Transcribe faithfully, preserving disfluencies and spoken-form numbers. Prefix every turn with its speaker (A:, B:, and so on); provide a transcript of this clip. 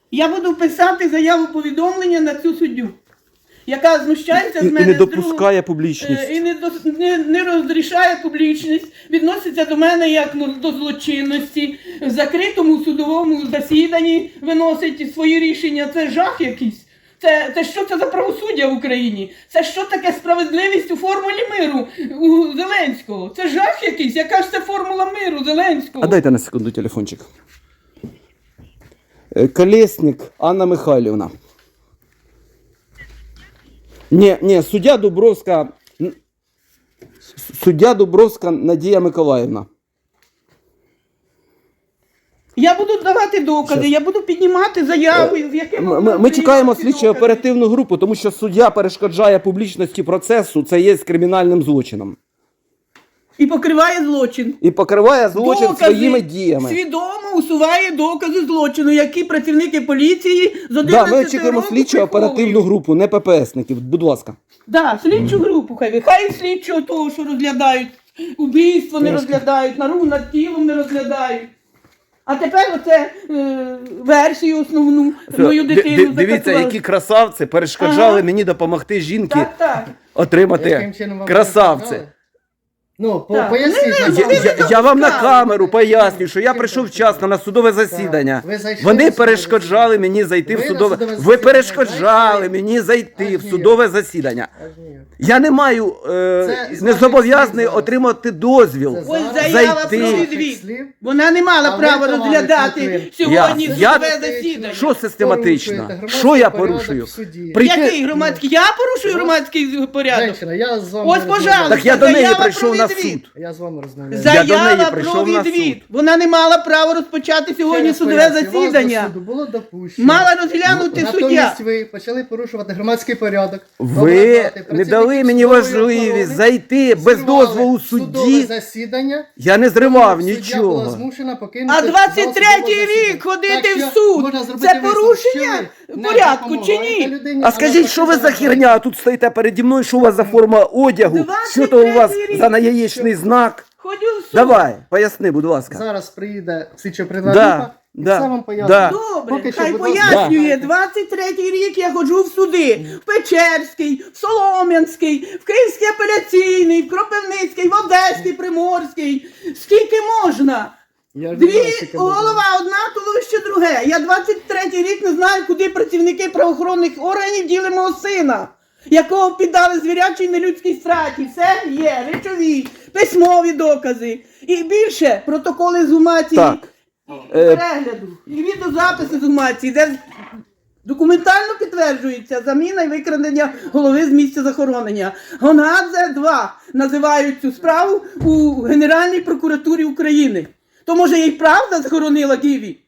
A: Я буду писати заяву повідомлення на цю суддю, яка знущається з
B: І,
A: мене.
B: і не
A: з другого-
B: допускає публічність.
A: Е, І не, до- не, не розрішає публічність, відноситься до мене як ну, до злочинності, в закритому судовому засіданні виносить свої рішення. Це жах якийсь. Це, це що це за правосуддя в Україні? Це що таке справедливість у формулі миру у Зеленського? Це жах якийсь. Яка ж це формула миру Зеленського?
B: А дайте на секунду телефончик. Е, Колєснік Анна Михайлівна. Ні, ні, суддя Дубровська, н- суддя Дубровська Надія Миколаївна.
A: Я буду давати докази,
B: Щас.
A: я буду піднімати заяви, в якому
B: Ми, ми, ми чекаємо слідчо оперативну групу, тому що суддя перешкоджає публічності процесу, це є кримінальним злочином.
A: І покриває злочин.
B: І покриває злочин
A: Докази,
B: своїми діями.
A: свідомо усуває докази злочину, які працівники поліції з
B: Да,
A: одинадцятого
B: ми очікуємо
A: року
B: слідчо оперативну
A: приховують.
B: групу, не ППСників. Будь ласка.
A: Да, слідчу групу хай. Хай слідчого того, що розглядають, убійство не розглядають, нару над тілом не розглядають. А тепер оце е, версію основну, мою дитину
B: Дивіться,
A: закатували.
B: які красавці перешкоджали
A: Ага.
B: мені допомогти жінки
A: Так, так.
B: отримати
C: Яким чином вам
B: красавці.
C: перешкоджали? Ну, по,
A: Так.
C: поясніть.
A: Не,
C: нам,
A: не,
B: Я,
C: будь ласка.
B: я, я вам на камеру поясню, що я прийшов вчасно на судове засідання.
C: Ви зайшли
B: Вони
C: на судове
B: перешкоджали мені зайти в
C: Ви на
B: судове.
C: судове
B: Ви
C: засідання
B: перешкоджали
C: зайшли?
B: мені зайти
C: Аж
B: в
C: ніяк.
B: судове засідання.
C: Аж ніяк.
B: Я не маю е,
C: Це з
B: не
C: ваших
B: зобов'язаний
C: слів зараз.
B: отримати дозвіл.
C: Це
A: Ось
C: зараз
A: заява
B: зайти.
A: про
C: з ваших
A: відвід.
C: слів.
A: Вона не мала
C: А ви,
A: права
C: товариш
A: розглядати
C: Литвин,
A: сьогодні
B: Я-
A: судове
B: я-
A: засідання.
B: Що систематично?
C: Порушуєте громадський
B: Що я
C: порядок
B: порушую?
C: в суді.
B: Прийти-
A: Який громадський? Я порушую громадський порядок.
C: Женщина, я з вами
A: Ось,
C: розмовляю.
A: пожалуйста.
B: Так я до неї
A: Заява
B: прийшов
A: про
B: на
A: відвід.
B: суд.
C: Я з вами розмовляю.
B: Я до неї
A: Заява про
B: прийшов на
A: відвід.
B: суд.
A: Вона не мала права розпочати
C: Ще
A: сьогодні
C: раз
A: судове
C: пояснюю, вас до
A: засідання.
C: суду було допущено.
A: Мала розглянути суддя.
C: Натомість ви почали порушувати громадський порядок.
B: Ви
C: ображати
B: не дали
C: працівників
B: мені
C: судової
B: можливість
C: охорони,
B: зайти без
C: зривали
B: дозволу
C: судове
B: судді.
C: засідання.
B: Я не зривав
C: Суддя була
B: нічого.
C: змушена покинути
A: А
C: зал
A: двадцять
C: судового
A: третій
C: засідання.
A: рік ходити
C: Так
A: в
C: що
A: суд
C: можна
A: –
C: зробити
A: це
C: висновок,
A: порушення
C: що ви не
A: порядку чи
C: допомагаєте
A: ні?
C: людині,
B: А скажіть, що ви за
C: навпаки
B: херня? А тут стоїте переді мною, що у вас за форма одягу? Що то у вас
A: двадцять третій
B: за наяєчний знак?
A: Ходю в суд.
B: Давай, поясни, будь ласка.
C: Зараз приїде слідчо-оперативна
B: Да,
C: група і
B: да,
C: все вам пояснить.
B: да.
A: Добре,
C: Поки що,
A: хай
C: будь ласка,
A: пояснює.
C: знайте.
A: двадцять третій рік я ходжу в суди. В Печерський, в Солом'янський, в Київський апеляційний, в Кропивницький, в Одеський, Приморський. Скільки можна?
C: Я ж не
A: Дві
C: знаю, скільки можна.
A: голова, одна туловище друге. Я двадцять третій рік не знаю, куди працівники правоохоронних органів діли мого сина, якого піддали звірячій нелюдській страті. Все є, речові, письмові докази. І більше протоколи з гумації,
B: Так.
A: і
B: Е,
A: перегляду, і відеозаписи з гумації, де документально підтверджується заміна і викрадення голови з місця захоронення. Гонгадзе два називають цю справу у Генеральній прокуратурі України. То може їй правда захоронила Гіві?